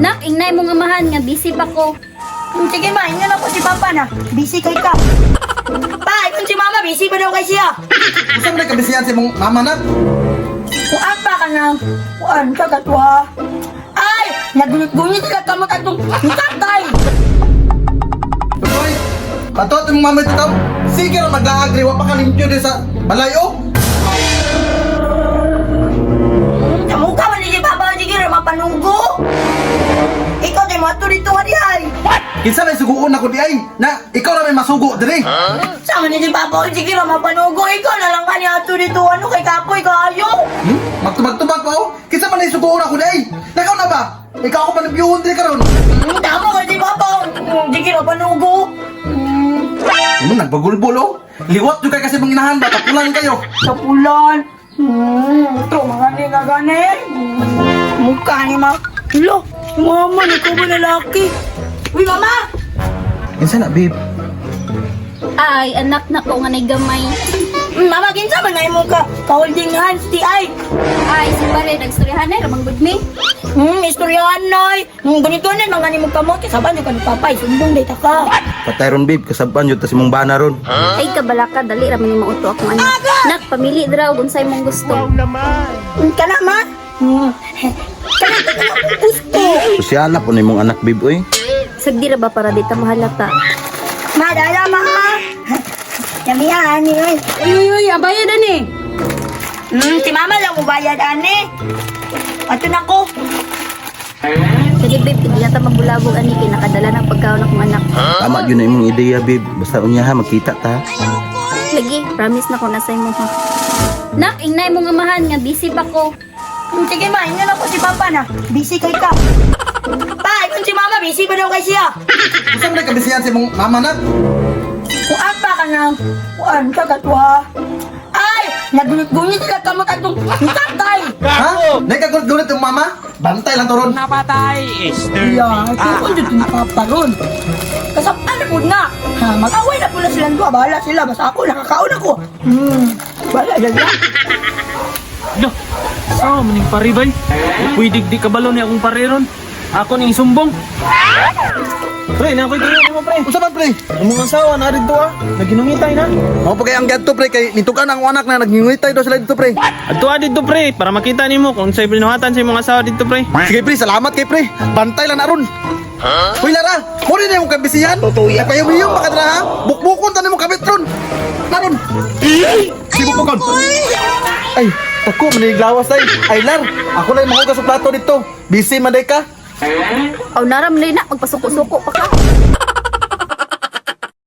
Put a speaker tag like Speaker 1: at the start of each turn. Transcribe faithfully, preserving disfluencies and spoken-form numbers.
Speaker 1: Nak, ingnay mo nga mahan nga busy pa ko.
Speaker 2: Hmm, sige ma, inyo lang po si Papa na. Busy kay ka. Pa, ikon si Mama, busy pa daw kay siya.
Speaker 3: Saan na kabisihan si mong mama na?
Speaker 2: Kuan pa ka na. Kuan ka katwa. Ay, nagunit-gunit sila ka magkatong tatay.
Speaker 3: Tuloy, patot yung mama ito tao. Sige na mag-aagri, wapa ka limpyo din sa balayo.
Speaker 2: Sa mukha man ni Papa, sige na mapanunggo. Ikaw din mo dito nga di ay.
Speaker 3: Kinsa may suguon ako di ay, na ikaw na may masugo diri.
Speaker 2: Sama ni Papa, sige na mapanunggo. Ikaw na lang kanya ato dito ano kay Kapoy kaayo.
Speaker 3: Hmm? Magtubag-tubag pa oh. Kinsa man may suguon ako di ay. Nakaw na ba? Ikaw ako pa nabiyuhon diri karon.
Speaker 2: Hmm, tama ka si Papa. Hmm, sige na panunggo. Hmm,
Speaker 3: Ano nagbagulbol oh. Liwat yung kay kasi mong inahan ba, tapulan kayo.
Speaker 2: sa pulan. Hmm, ito mga ni nga gani. Hmm, mukha ni Ma. Lo, si Mama, ikaw ba lalaki? Uy, Mama!
Speaker 3: Kinsa na babe?
Speaker 1: Ay, anak na ko nga nay gamay.
Speaker 2: Hmm, Mama, kinsa ba na mo ka? Ka-holding hands, ti ay.
Speaker 1: Ay, si pare, nagstoryahan na, ramang good me.
Speaker 2: Hmm, istoryahan nay. Hmm, ganito na, mga ni mo kamot. Saban yung kanipapay, sumbong day ka.
Speaker 3: Patay ron babe, kasaban yun ta si mong bana ron.
Speaker 1: Ay, kabalaka, dali, ramang ni mauto akong anak. Nak, pamili draw, kung sa'y mong gusto.
Speaker 2: Hmm, kana, Ma? Hmm, kana, kana, kana, gusto.
Speaker 3: Sosyala po ni mong anak babe oy.
Speaker 1: Sagdi ra ba para di ta mahalata?
Speaker 2: Ma, dala, Ma. Yamihan, ni, oy.
Speaker 1: Uy, uy, uy, abaya na ni.
Speaker 2: Hmm, si Mama lang mo bayad, ane. Ato na ko.
Speaker 1: Sige, babe, hindi na ta magbulabog, ani, kinakadala ng pagkaon akong anak.
Speaker 3: Tama yun na imong ideya babe. Basta unya ha, magkita ta.
Speaker 1: Lagi, promise na ko na sa'yo mo, ha. Nak, ingnay mo nga mahan nga busy pa ko.
Speaker 2: Hmm, sige, Ma, inyo lang po si Papa na. Busy kay ka. Pa, ikon si Mama, busy pa daw kay siya.
Speaker 3: Saan na kabisihan si mong mama na?
Speaker 2: Kuan pa ka na. Kuan ka katwa. Ay, nagunit-gunit sila ka magkatong tatay.
Speaker 3: Ha? Nagkagulit-gulit yung mama? Bantay lang to ron.
Speaker 4: Napatay, Esther.
Speaker 2: Yeah, kung dito na Papa ron. Kasapan na po na. Ha, mag-away na po na silang dua. Bahala sila. Basta ako, nakakaon ako. Hmm, bahala yan yan.
Speaker 4: Lo, sao maning paribay? Pwede di kabalo ni akong pariron. Ako ning sumbong. Pre, na ako'y tingin mo, pre.
Speaker 3: Unsa man pre?
Speaker 4: Ang mga asawa na rin to, ah. Naginungitay na.
Speaker 3: Mao pa kay ang gadto pre kay nitukan ang anak na nagngingitay daw sila dito pre.
Speaker 4: Adto dito, pre, para makita nimo kung sa'y binuhatan sa mga asawa dito, pre.
Speaker 3: Sige pre, salamat kay pre. Bantay lang na ron. Uy Lara, mo rin yung kabisihan.
Speaker 2: Tutuya.
Speaker 3: Nagpayong-iyong baka dra ha. Bukbukon tanin mo kabit ron. Naron. Si bukbukon. Ay, tako maniglawas tay. Ay Lar, ako lang mahugas sa plato dito. Busy man day ka.
Speaker 1: Aw, naram na na, magpasuko-suko pa ka.